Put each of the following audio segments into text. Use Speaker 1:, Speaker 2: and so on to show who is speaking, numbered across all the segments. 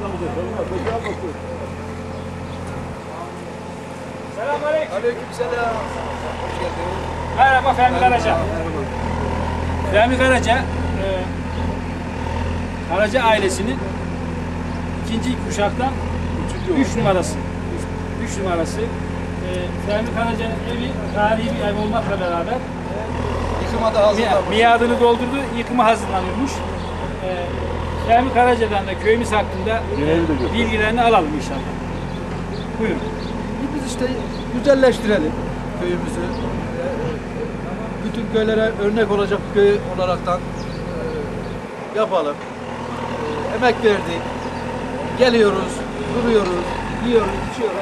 Speaker 1: Selamünaleyküm.
Speaker 2: Aleykümselam. Hoş geldiniz.
Speaker 1: Merhaba Fehmi Karaca. Fehmi Karaca, Karaca ailesinin ikinci kuşaktan 3 numarası. 3 numarası. Fehmi Karaca'nın evi tarihi bir ev olmakla beraber
Speaker 2: Yıkıma da hazırlanmış.
Speaker 1: miadını doldurdu, yıkıma hazırlanıyormuş. Fehmi Karaca'dan da köyümüz hakkında bilgilerini alalım inşallah. Buyurun.
Speaker 2: Biz işte güzelleştirelim köyümüzü. Bütün köylere örnek olacak bir köy olaraktan yapalım. Emek verdik. Geliyoruz, duruyoruz, yiyoruz, içiyoruz.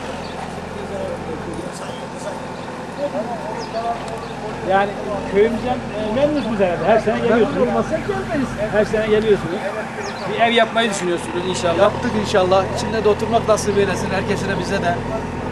Speaker 1: Yani köyümüzden memnunuz herhalde. Her sene geliyorsunuz.
Speaker 2: Olmazsa gelmeyiz.
Speaker 1: Her sene geliyorsunuz. Bir ev yapmayı düşünüyorsunuz inşallah.
Speaker 2: Yaptık inşallah. İçinde de oturmak nasip eylesin herkesine, bize de.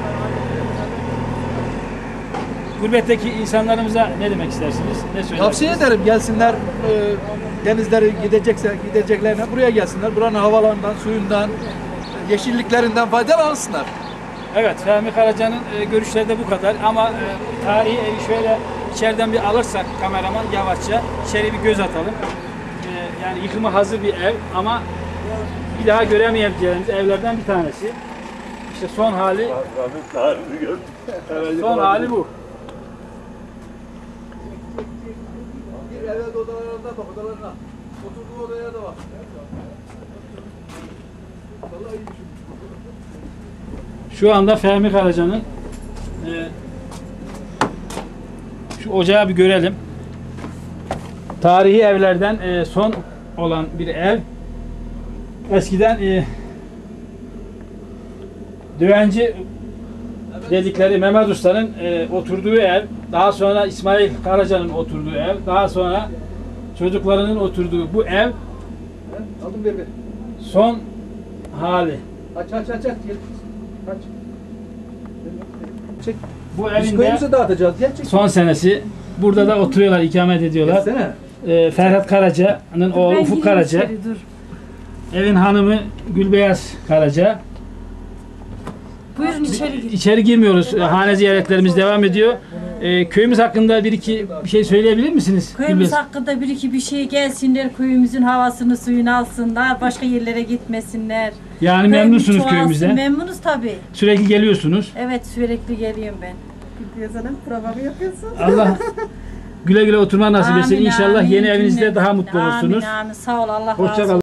Speaker 1: Gurbetteki insanlarımıza ne demek istersiniz? Ne söylersiniz?
Speaker 2: Tavsiye ederim gelsinler, denizleri gideceklerine buraya gelsinler. Buranın havalarından, suyundan, yeşilliklerinden faydalansınlar.
Speaker 1: Evet, Fehmi Karaca'nın görüşleri de bu kadar ama tarihi evi şöyle içeriden bir alırsak kameraman yavaşça içeri bir göz atalım. Yani yıkıma hazır bir ev ama bir daha göremeyeceğimiz evlerden bir tanesi. İşte son hali bu.
Speaker 2: Bir evet odalarına bak, odalarına. Oturduğu odaya da bak. Vallahi iyi düşünmüş.
Speaker 1: Şu anda Fehmi Karaca'nın şu ocağı bir görelim. Tarihi evlerden son olan bir ev. Eskiden Düvenci dedikleri Mehmet Usta'nın oturduğu ev, daha sonra İsmail Karaca'nın oturduğu ev, daha sonra çocuklarının oturduğu bu ev
Speaker 2: Aldım ver.
Speaker 1: son hali.
Speaker 2: Aç. Gel. Aç. Çek.
Speaker 1: Bu
Speaker 2: Biz
Speaker 1: evin
Speaker 2: köyümüze
Speaker 1: de
Speaker 2: dağıtacağız. Gel çek.
Speaker 1: son senesi. Burada da oturuyorlar, ikamet ediyorlar.
Speaker 2: Gelsene.
Speaker 1: Ferhat Karaca'nın oğlu Ufuk Karaca. Evin hanımı Gülbeyaz Karaca.
Speaker 3: Buyurun içeri girin.
Speaker 1: İçeri girmiyoruz. Hane ziyaretlerimiz devam ediyor. Köyümüz hakkında bir şey söyleyebilir misiniz?
Speaker 3: Köyümüz
Speaker 1: Gülbeyaz?
Speaker 3: hakkında bir iki bir şey gelsinler, köyümüzün havasını suyunu alsınlar, başka yerlere gitmesinler.
Speaker 1: Yani
Speaker 3: Köyümüz
Speaker 1: memnunsunuz
Speaker 3: çoğalsın.
Speaker 1: köyümüzden.
Speaker 3: Memnunuz tabii.
Speaker 1: Sürekli geliyorsunuz.
Speaker 3: Evet, sürekli geliyorum ben.
Speaker 4: Sana programı yapıyorsun.
Speaker 1: Allah güle güle oturma nasip etsin.
Speaker 3: Amin,
Speaker 1: İnşallah
Speaker 3: amin.
Speaker 1: yeni evinizde
Speaker 3: Cümlemize.
Speaker 1: daha mutlu olursunuz.
Speaker 3: Amin, amin. Sağ ol, Allah razı
Speaker 1: Hoşça
Speaker 3: olsun.
Speaker 1: kalın.